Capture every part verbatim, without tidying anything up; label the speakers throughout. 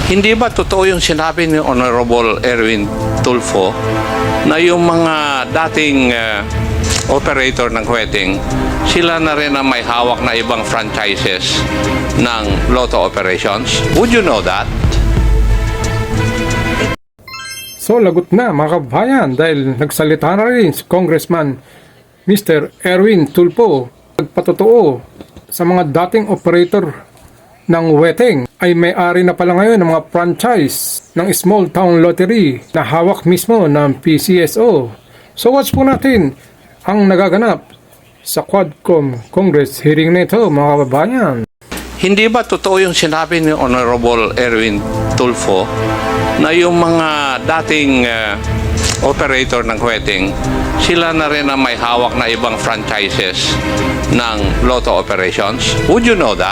Speaker 1: Hindi ba totoo yung sinabi ni Honorable Erwin Tulfo na yung mga dating uh, operator ng wedding, sila na rin ang may hawak na ibang franchises ng lotto operations? Would you know that?
Speaker 2: So lagot na mga kabayan dahil nagsalita na rin si Congressman Mister Erwin Tulfo, nagpatotoo sa mga dating operator ng wedding ay may-ari na pala ngayon ng mga franchise ng small town lottery na hawak mismo ng P C S O. So watch po natin ang nagaganap sa Quadcom Congress hearing nito mga kababayan.
Speaker 1: Hindi ba totoo yung sinabi ni Honorable Erwin Tulfo na yung mga dating uh, operator ng wedding, sila na rin ang may hawak na ibang franchises ng lotto operations? Would you know that?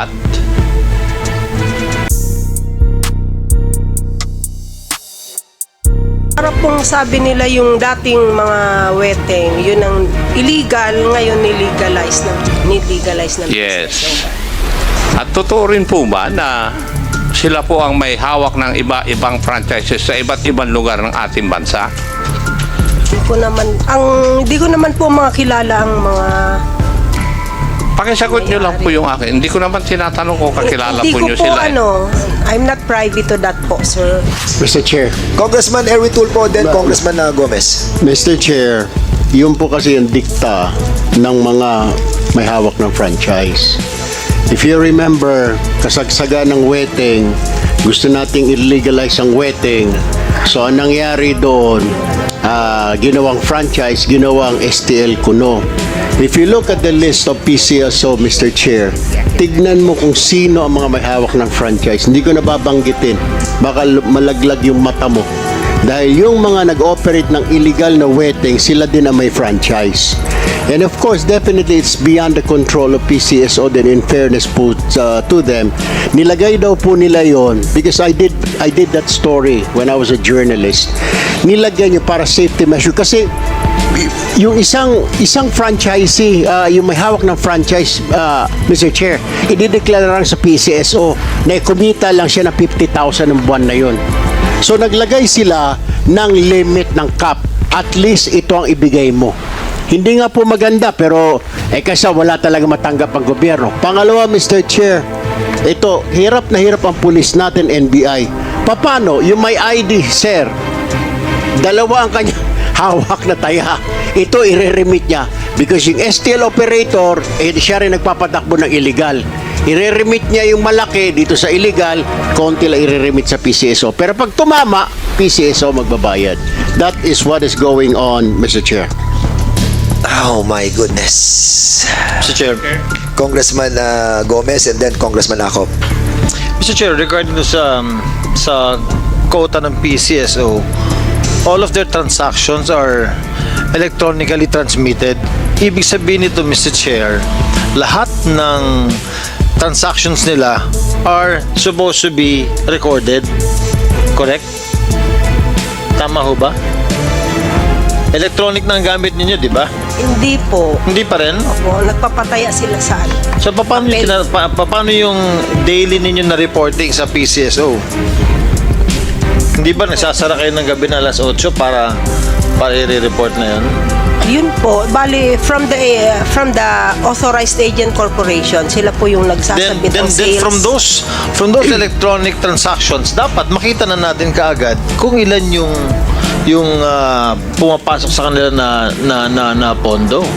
Speaker 3: Para pong sabi nila yung dating mga wedding, yun ang illegal, ngayon nilegalize na, nilegalize na.
Speaker 1: Yes. At totoo rin po ba na sila po ang may hawak ng iba-ibang franchises sa iba't ibang lugar ng ating bansa?
Speaker 3: Hindi ko naman, ang, hindi ko naman po mga kilala ang mga...
Speaker 1: Pakisagot nyo lang po yung akin. Hindi ko naman tinatanong kung kakilala
Speaker 3: Hindi
Speaker 1: po nyo
Speaker 3: ko po
Speaker 1: sila. eh.
Speaker 3: ano, I'm not privy to that po, sir.
Speaker 4: Mister Chair.
Speaker 5: Congressman Erwin Tulfo, then Congressman uh, Gomez.
Speaker 4: Mister Chair, yun po kasi yung dikta ng mga may hawak ng franchise. If you remember, kasagsaga ng wedding, gusto nating illegalize ang wedding. So, ang nangyari doon, uh, ginawang franchise, ginawang S T L Kuno. If you look at the list of P C S O, Mister Chair, tignan mo kung sino ang mga may hawak ng franchise. Hindi ko nababanggitin. Baka malaglag yung mata mo. Dahil yung mga nag-operate ng illegal na wedding, sila din ang may franchise. And of course, definitely it's beyond the control of P C S O then in fairness po uh, to them. Nilagay daw po nila yon because I did I did that story when I was a journalist. Nilagay nyo para safety measure kasi yung isang isang franchisee, uh, yung may hawak ng franchise, uh, Mister Chair, idideklara lang sa P C S O na kumita lang siya ng fifty thousand ng buwan na yon. So naglagay sila ng limit ng cap. At least ito ang ibigay mo. Hindi nga po maganda pero eh kasi wala talaga matanggap ang gobyerno. Pangalawa, Mister Chair, ito, hirap na hirap ang pulis natin, N B I. Paano? Yung may I D, sir, dalawa ang kanya hawak na taya. Ito, i-remit niya. Because yung S T L operator, eh, siya rin nagpapatakbo ng illegal. I-remit niya yung malaki dito sa illegal, konti lang i-remit sa P C S O. Pero pag tumama, P C S O magbabayad. That is what is going on, Mister Chair.
Speaker 5: Oh my goodness.
Speaker 6: Mister Chair.
Speaker 5: Congressman uh, Gomez and then Congressman Acop.
Speaker 6: Mister Chair, regarding to sa um, sa quota ng P C S O, all of their transactions are electronically transmitted. Ibig sabihin nito, Mister Chair, lahat ng transactions nila are supposed to be recorded. Correct? Tama ho ba? Electronic na ang gamit ninyo, di ba?
Speaker 3: Hindi po.
Speaker 6: Hindi pa rin?
Speaker 3: Opo, nagpapataya sila sa ano.
Speaker 6: So, paano, kina, pa, paano yung daily ninyo na reporting sa P C S O? Hindi ba nagsasara kayo ng gabi na alas otso para para i-report na yun?
Speaker 3: Yun po, bali from the uh, from the authorized agent corporation, sila po yung
Speaker 6: Then,
Speaker 3: nagsasabit
Speaker 6: then,
Speaker 3: ng
Speaker 6: then
Speaker 3: sales.
Speaker 6: from those from those electronic transactions, dapat makita na natin kaagad kung ilan yung yung uh, pumapasok sa kanila na na na, na pondo.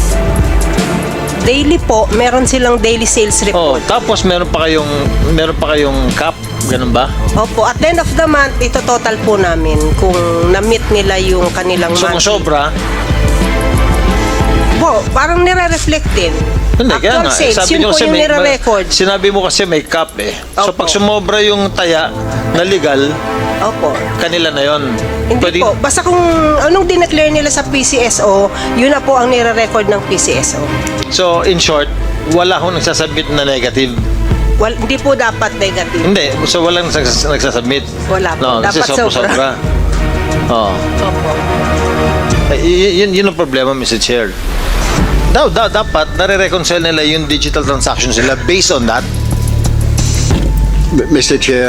Speaker 3: Daily po, meron silang daily sales
Speaker 6: Oh,
Speaker 3: report.
Speaker 6: tapos meron pa kayong meron pa kayong cap, ganun ba?
Speaker 3: Opo, at the end of the month, ito total po namin kung na-meet nila yung kanilang
Speaker 6: So kung
Speaker 3: monthly.
Speaker 6: sobra,
Speaker 3: Po, parang nire-reflect din.
Speaker 6: hindi, kaya
Speaker 3: Actual
Speaker 6: nga.
Speaker 3: sales,
Speaker 6: Sabi
Speaker 3: yun
Speaker 6: nyo
Speaker 3: po
Speaker 6: kasi
Speaker 3: yung
Speaker 6: may,
Speaker 3: nire-record.
Speaker 6: sinabi mo kasi may cap eh. So
Speaker 3: Opo.
Speaker 6: pag sumobra yung taya na legal,
Speaker 3: Opo.
Speaker 6: kanila na yon.
Speaker 3: Hindi po. Basta kung anong dineclare nila sa P C S O, yun na po ang nire-record ng P C S O.
Speaker 6: So in short, wala akong nagsasubmit na negative.
Speaker 3: Well, hindi po dapat negative.
Speaker 6: Hindi, so walang nagsas- nagsasubmit.
Speaker 3: Wala po.
Speaker 6: No, kasi
Speaker 3: Dapat
Speaker 6: sobra.
Speaker 3: sobra.
Speaker 6: sobra. Oh.
Speaker 3: Opo.
Speaker 6: Eh, y- yun, yun ang problema, Mister Chair. Daw, daw, dapat nare-reconcile nila yung digital transactions nila based on that.
Speaker 4: Mister Chair,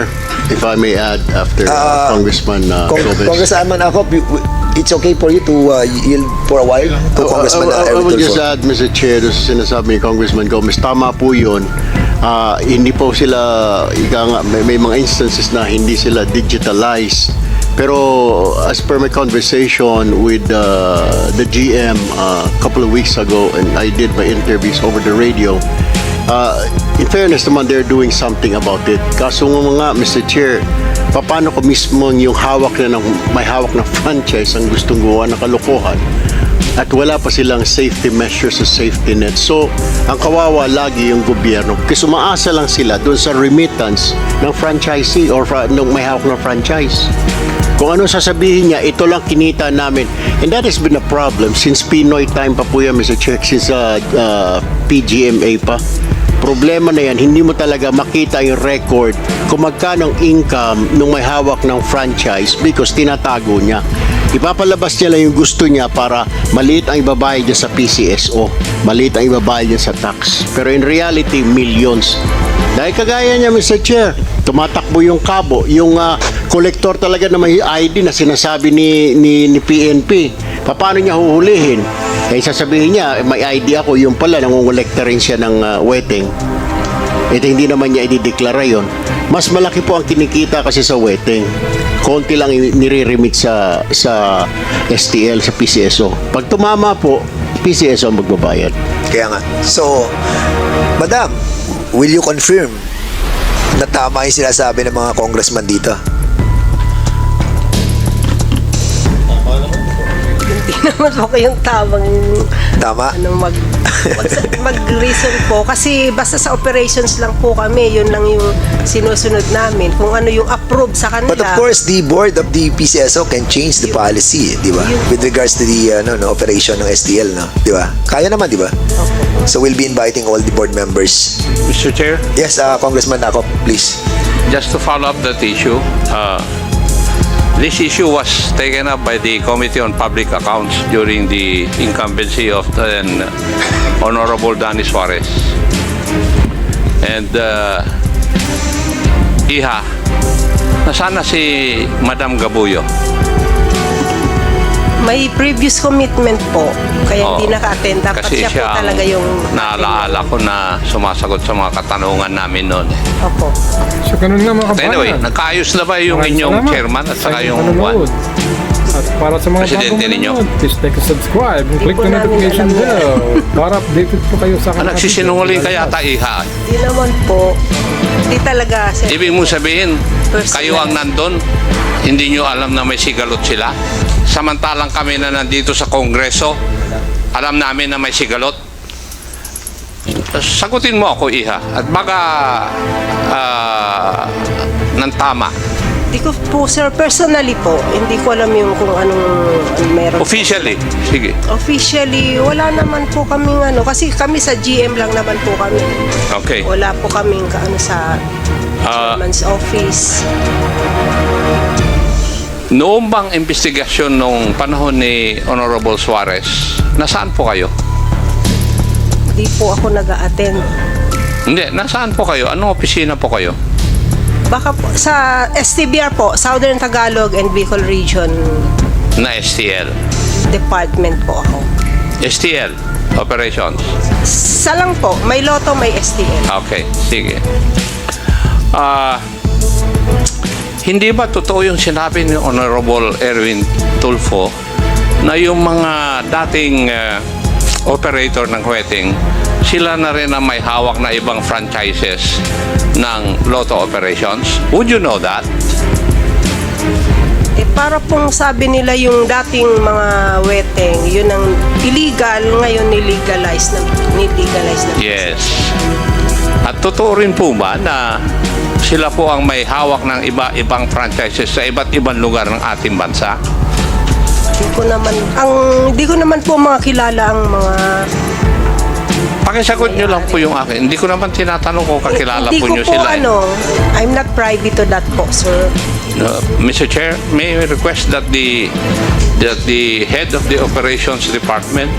Speaker 4: if I may add, after uh,
Speaker 5: Ah,
Speaker 4: Congressman uh,
Speaker 5: Cong-
Speaker 4: Gomez.
Speaker 5: Congressman Akop, you- it's okay for you to uh, yield for a while to Congressman
Speaker 4: I, I, I
Speaker 5: Erwin
Speaker 4: would just
Speaker 5: Tulfo?
Speaker 4: add, Mister Chair, doon sa sinasabi ni Congressman Gomez, tama po yun. Ah, hindi po sila, ika nga, may, may mga instances na hindi sila digitalized. Pero as per my conversation with uh, the G M uh, a couple of weeks ago, and I did my interviews over the radio, uh, in fairness naman, they're doing something about it. Kaso nga, Mister Chair, paano ko mismo yung hawak na ng, may hawak na franchise ang gustong gawa ng kalokohan at wala pa silang safety measures sa safety net. So, ang kawawa lagi yung gobyerno kasi umaasa lang sila doon sa remittance ng franchisee or fra- nung may hawak ng franchise. Kung ano sasabihin niya, ito lang kinita namin. And that has been a problem since Pinoy time pa po yan, Mister Chair, since uh, uh, P G M A pa. Problema na yan, hindi mo talaga makita yung record kung magkano ang income nung may hawak ng franchise because tinatago niya. Ipapalabas niya lang yung gusto niya para maliit ang ibabayad niya sa P C S O, maliit ang ibabayad niya sa tax. Pero in reality, millions. Dahil kagaya niya, Mister Chair, tumatakbo yung kabo, yung uh, kolektor talaga na may I D na sinasabi ni, ni, ni P N P. Paano niya huhulihin? Eh, sasabihin niya, may I D ako, yung pala, nangungulekta rin siya ng uh, wedding. Ito hindi naman niya idideklara yon. Mas malaki po ang kinikita kasi sa wedding. Konti lang nire-remit sa, sa S T L, sa P C S O. Pag tumama po, P C S O ang magbabayad.
Speaker 5: Kaya nga. So, Madam, will you confirm na tama yung sinasabi ng mga congressman dito?
Speaker 3: Hindi naman po kayong tamang
Speaker 5: Tama?
Speaker 3: ano mag mag, mag-reason po kasi basta sa operations lang po kami, yun lang yung sinusunod namin kung ano yung approve sa kanila.
Speaker 5: But of course, the board of the P C S O can change the policy, di ba? With regards to the ano, no, operation ng S T L, no? Di ba? Kaya naman, di ba? So we'll be inviting all the board members.
Speaker 1: Mister Chair,
Speaker 5: Yes, uh, Congressman Akop, please.
Speaker 1: just to follow up that issue, uh, this issue was taken up by the Committee on Public Accounts during the incumbency of then Honorable Danny Suarez. And uh, Iha, nasana si Madam Gabuyo?
Speaker 3: May previous commitment po kaya
Speaker 1: Oo.
Speaker 3: hindi naka-attend. Dapat
Speaker 1: Kasi
Speaker 3: siya,
Speaker 1: siya
Speaker 3: po
Speaker 1: ang
Speaker 3: talaga yung
Speaker 1: naalaala ko na sumasagot sa mga katanungan namin noon.
Speaker 3: Opo.
Speaker 2: So, ganun nga mga
Speaker 1: But
Speaker 2: kabayan.
Speaker 1: anyway, nagkaayos na ba yung
Speaker 2: Maraming
Speaker 1: inyong
Speaker 2: salamat
Speaker 1: chairman at
Speaker 2: sa
Speaker 1: saka
Speaker 2: inyong
Speaker 1: yung
Speaker 2: panonood. At para sa mga
Speaker 1: Presidente
Speaker 2: bagong
Speaker 1: ninyo.
Speaker 2: manonood, please like and subscribe and click
Speaker 3: po
Speaker 2: the
Speaker 3: namin
Speaker 2: notification
Speaker 3: alam yan.
Speaker 2: bell para updated po kayo sa
Speaker 1: Ah,
Speaker 2: aking mga
Speaker 1: nagsisinungaling
Speaker 2: video.
Speaker 1: kaya ta Iha.
Speaker 3: Hindi naman po. Hindi talaga. Sir.
Speaker 1: Ibig mong sabihin,
Speaker 3: Personal.
Speaker 1: kayo ang nandun, hindi nyo alam na may sigalot sila. Samantalang kami na nandito sa Kongreso, alam namin na may sigalot. Sagutin mo ako, Iha. At baka ah, ng tama.
Speaker 3: Hindi ko po, sir, personally po, hindi ko alam yung kung anong, anong meron.
Speaker 1: Officially. Sige.
Speaker 3: Officially, wala naman po kaming ano, kasi kami sa G M lang naman po kami.
Speaker 1: Okay.
Speaker 3: Wala po kaming kaano sa
Speaker 1: Ah.
Speaker 3: chairman's office.
Speaker 1: Noong bang investigasyon nung panahon ni Honorable Suarez, nasaan po kayo?
Speaker 3: Hindi po ako nag-a-attend.
Speaker 1: Hindi, nasaan po kayo? Anong opisina po kayo?
Speaker 3: Baka po, sa S T B R po, Southern Tagalog and Bicol Region
Speaker 1: Na S T L.
Speaker 3: Department po ako.
Speaker 1: S T L Operations.
Speaker 3: Sa lang po, may loto, may S T L.
Speaker 1: Okay, sige. Ah, hindi ba totoo yung sinabi ni Honorable Erwin Tulfo na yung mga dating ah, operator ng wedding, sila na rin ang may hawak na ibang franchises ng lotto operations? Would you know that?
Speaker 3: Eh, para pong sabi nila yung dating mga weteng, yun ang illegal, ngayon nilegalize na, nilegalize na.
Speaker 1: Yes. At totoo rin po ba na sila po ang may hawak ng iba-ibang franchises sa iba't ibang lugar ng ating bansa?
Speaker 3: Hindi ko naman, ang, hindi ko naman po mga kilala ang mga...
Speaker 1: Pakisagot nyo lang po yung akin. Hindi ko naman tinatanong kung kakilala
Speaker 3: hindi
Speaker 1: po
Speaker 3: ko
Speaker 1: nyo
Speaker 3: po
Speaker 1: sila. eh.
Speaker 3: ano, I'm not privy to that po, sir.
Speaker 1: Uh, Mister Chair, may I request that the that the head of the operations department,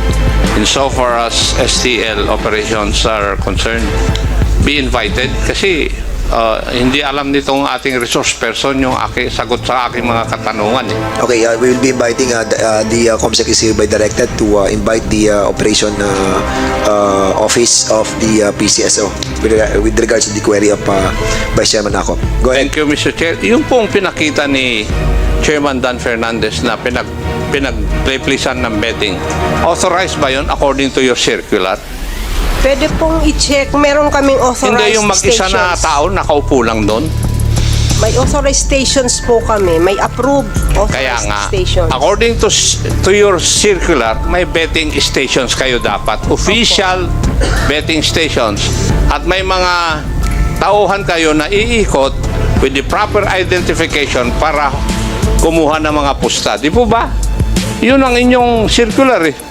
Speaker 1: insofar as S T L operations are concerned, be invited kasi uh, hindi alam nitong ating resource person yung aking sagot sa aking mga katanungan. Eh.
Speaker 5: Okay, uh, we will be inviting uh, the, uh, the uh, COMSEC is hereby directed to uh, invite the uh, operation uh, uh, office of the uh, P C S O with, uh, with regards to the query of uh, Vice Chairman Ako. Go ahead.
Speaker 1: Thank you, Mister Chair. Yung pong pinakita ni Chairman Dan Fernandez na pinag pinag-replisan ng betting, authorized ba yun according to your circular?
Speaker 3: Pwede pong i-check. Meron kaming authorized
Speaker 1: Hindi yung mag-isa na
Speaker 3: stations.
Speaker 1: tao nakaupo lang doon.
Speaker 3: May authorized stations po kami. May approved
Speaker 1: Kaya
Speaker 3: authorized
Speaker 1: nga,
Speaker 3: stations.
Speaker 1: according to s- to your circular, may betting stations kayo dapat. Official betting stations. At may mga tauhan kayo na iikot with the proper identification para kumuha ng mga pusta. Di po ba? Yun ang inyong circular eh.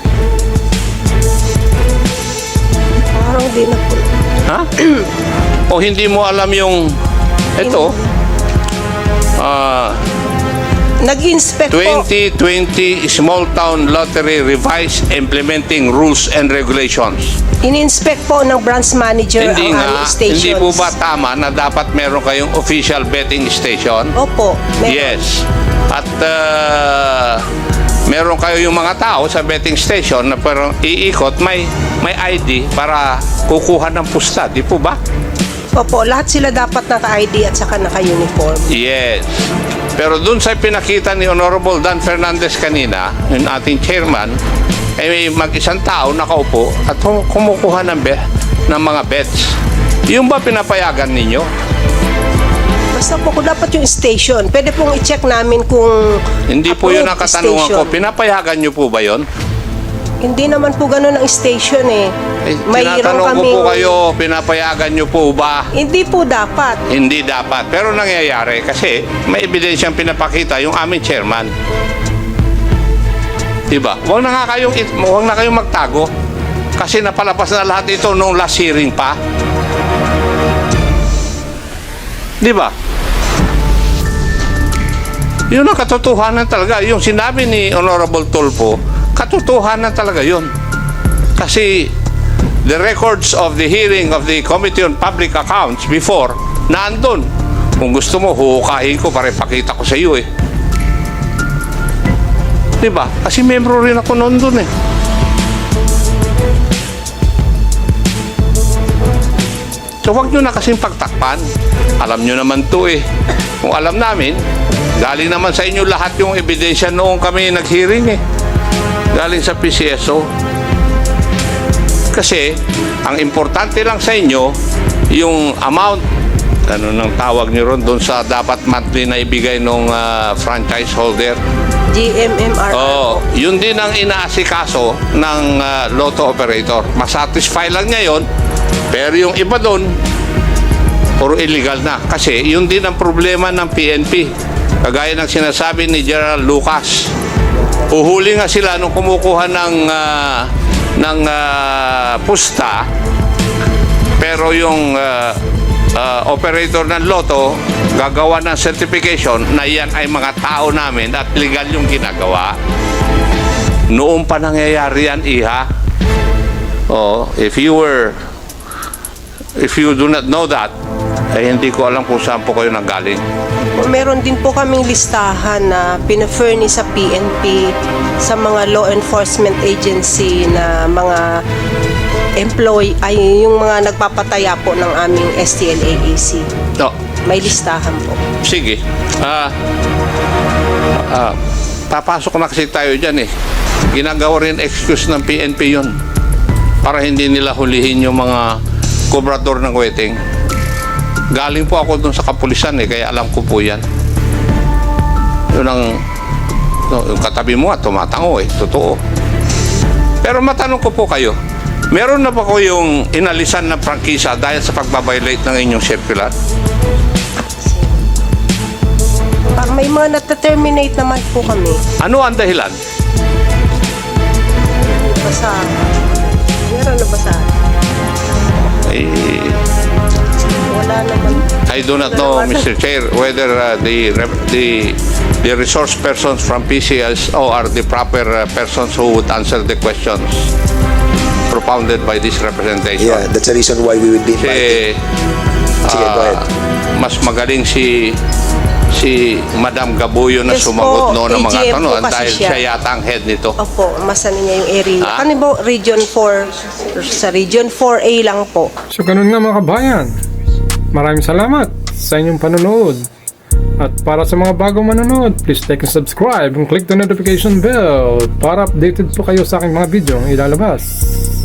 Speaker 3: Parang di na po.
Speaker 1: Ha? O hindi mo alam yung ito, ah,
Speaker 3: Nag-inspect po.
Speaker 1: twenty twenty Small Town Lottery Revised Implementing Rules and Regulations.
Speaker 3: In-inspect po ng branch manager
Speaker 1: Hindi
Speaker 3: ang
Speaker 1: nga,
Speaker 3: aming stations.
Speaker 1: hindi po ba tama na dapat meron kayong official betting station?
Speaker 3: Opo. Meron.
Speaker 1: Yes. At uh, meron kayo yung mga tao sa betting station na parang iikot, may may I D para kukuha ng pusta, di po ba?
Speaker 3: Opo, lahat sila dapat naka-I D at saka naka-uniform.
Speaker 1: Yes. Pero dun sa pinakita ni Honorable Dan Fernandez kanina, yung ating chairman, ay may mag-isang tao nakaupo at kum- kumukuha ng, be- ng mga bets. Yung ba pinapayagan ninyo?
Speaker 3: Basta po kung dapat yung station, pwede pong i-check namin kung
Speaker 1: Hindi po yun ang
Speaker 3: approved
Speaker 1: katanungan ko.
Speaker 3: station.
Speaker 1: Pinapayagan nyo po ba yun?
Speaker 3: Hindi naman po ganun ang station eh.
Speaker 1: Eh,
Speaker 3: Mayroon
Speaker 1: tinatanong ko
Speaker 3: kaming-
Speaker 1: po kayo, pinapayagan nyo po ba?
Speaker 3: Hindi po dapat.
Speaker 1: Hindi dapat. Pero nangyayari kasi may ebidensyang pinapakita yung aming chairman. Diba? Huwag na nga kayong, it- huwag na kayong magtago. Kasi napalapas na lahat ito nung last hearing pa. Diba? Yun ang katotohanan talaga. Yung sinabi ni Honorable Tulfo, katotohanan talaga yun. Kasi the records of the hearing of the Committee on Public Accounts before, naandun. Kung gusto mo, huhukahin ko para ipakita ko sa iyo eh. Diba? Kasi membro rin ako noon dun eh. So huwag nyo na kasing pagtakpan. Alam nyo naman to eh. Kung alam namin, galing naman sa inyo lahat yung ebidensya noong kami nag-hearing eh. Galing sa P C S O. Kasi, ang importante lang sa inyo, yung amount, ano nang tawag nyo ron, doon sa dapat monthly na ibigay ng franchise holder.
Speaker 3: G M M R R
Speaker 1: Oh,
Speaker 3: po.
Speaker 1: yun din ang inaasikaso ng ah, lotto operator. Masatisfy lang niya yun, pero yung iba doon, puro illegal na. Kasi yun din ang problema ng P N P. Kagaya ng sinasabi ni General Lucas. Uhuli nga sila nung kumukuha ng ah, ng ah, pusta, pero yung ah, ah, operator ng lotto gagawa ng certification na yan ay mga tao namin at legal yung ginagawa. Noong pa nangyayari yan, iha. Oh, if you were if you do not know that, eh hindi ko alam kung saan po kayo nanggaling.
Speaker 3: Meron din po kaming listahan na pina-furnish sa P N P sa mga law enforcement agency na mga employee ay yung mga nagpapataya po ng aming S T L A A C.
Speaker 1: No,
Speaker 3: May listahan po.
Speaker 1: sige. Ah, ah, papasok na kasi tayo dyan eh. Ginagawa rin excuse ng P N P yun para hindi nila hulihin yung mga kobrador ng wedding. Galing po ako dun sa kapulisan eh, kaya alam ko po yan. Yun ang, no, yung katabi mo at tumatango eh, totoo. Pero matanong ko po kayo, meron na ba ko yung inalisan na prangkisa dahil sa pagbabiolate ng inyong circular?
Speaker 3: Parang may mga nata-terminate naman po kami.
Speaker 1: Ano ang dahilan?
Speaker 3: Basta, meron na basa?
Speaker 1: Eh,
Speaker 3: Wala naman.
Speaker 1: I do not know, Mister Chair, whether uh, the rep- the the resource persons from P C S O are the proper uh, persons who would answer the questions propounded by this representation.
Speaker 5: Yeah, that's the reason why we would be inviting.
Speaker 1: Kasi
Speaker 5: Sige, go ahead.
Speaker 1: mas magaling si si Madam Gabuyo na
Speaker 3: Yes
Speaker 1: sumagot
Speaker 3: po,
Speaker 1: noon ng mga
Speaker 3: A G M po
Speaker 1: tanong
Speaker 3: kasi
Speaker 1: dahil
Speaker 3: siya.
Speaker 1: siya yata ang head nito.
Speaker 3: Opo, masan niya yung area.
Speaker 1: Ah?
Speaker 3: Ano po, Region four, sa Region four A lang po.
Speaker 2: So ganun nga mga kabayan. Maraming salamat sa inyong panonood. At para sa mga bagong manonood, please like and subscribe and click the notification bell para updated po kayo sa aking mga video ang ilalabas.